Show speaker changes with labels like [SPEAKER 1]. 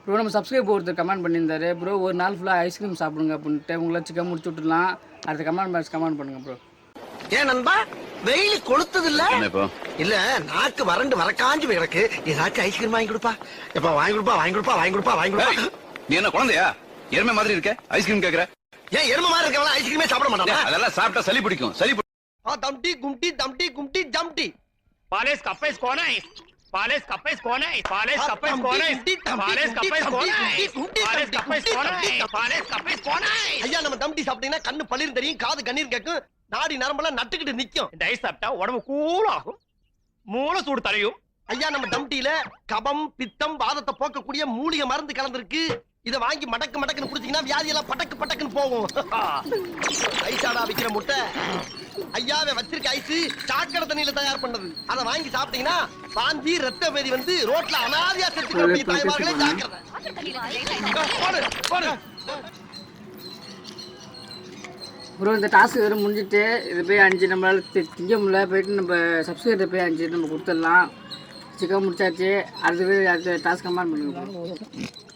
[SPEAKER 1] Bro நம்ம subscribe ஒருத்தர் comment பண்ணியிருந்தாரு ப்ரோ ஒரு நாள் ஃபுல்லாக ஐஸ்கிரீம் சாப்பிடுங்க அப்படின்ட்டு உங்களை சிக்கன் முடிச்சு விட்டுலாம் அடுத்த கமெண்ட் பண்ணுங்க ப்ரோ.
[SPEAKER 2] ஏன் நண்பா வெயில் கொளுத்தது இல்ல நாக்கு வறண்டு வரக்காஞ்சு கிடக்கு ஏதாச்சும் ஐஸ்கிரீம் வாங்கி கொடுப்பா எப்ப வாங்கி கொடுப்பா
[SPEAKER 3] நீ என்ன குழந்தையா எருமை மாதிரி இருக்க ஐஸ்கிரீம் கேக்குற
[SPEAKER 2] ஏன் எருமை மாதிரி இருக்கவங்க ஐஸ்கிரீமே சாப்பிட மாட்டாங்க
[SPEAKER 3] அதெல்லாம் சாப்பிட்டா சளி பிடிக்கும்
[SPEAKER 2] दमटी गुमटी दमटी गुमटी जमटी
[SPEAKER 4] पालेस कपेस कौन है पालेस कपेस कौन है पालेस कपेस कौन है पालेस कपेस कौन है पालेस कपेस कौन है पालेस कपेस कौन है
[SPEAKER 2] ஐயா நம்ம தம்டி சாப்பிட்டீங்கன்னா கண்ணு பளிர் தெரியும் காது கண்ணீர் கேட்கும் நாடி நரம்பெல்லாம் நட்டுக்கிட்டு நிக்கும்
[SPEAKER 4] இந்த ஐஸ் சாப்பிட்டா உடம்பு கூல் ஆகும் மூளை சூடு தரையும்
[SPEAKER 2] ஐயா நம்ம தம்டியில கபம் பித்தம் வாதத்தை போக்கக்கூடிய மூலிகை மருந்து கலந்திருக்கு இத வாங்கி மடக்குன்னு குடிச்சீங்கன்னா வியாதி எல்லாம் பட்டக்குன்னு போகும் ஐசாடா விக்கிற முட்டை ஐயாவே வச்சிருக்க ஐஸ் சாக்கடை தண்ணியில தயார் பண்ணது அதை வாங்கி சாப்பிட்டீங்கன்னா வாந்தி ரத்த பேதி வந்து ரோட்ல அனாதையா செத்து தாய்மார்களே ஜாக்கிரதை.
[SPEAKER 1] ப்ரோ இந்த டாஸ்க் வெறும் முடிஞ்சிட்டு இது போய் 5 நம்மளால் திங்க முடியல போயிட்டு நம்ம சப்ஸ்கிரைபர் போய் 5 நம்ம கொடுத்துடலாம். சிக்கன் முடிச்சாச்சு அடுத்த டாஸ்க் கமெண்ட் பண்ணுங்க.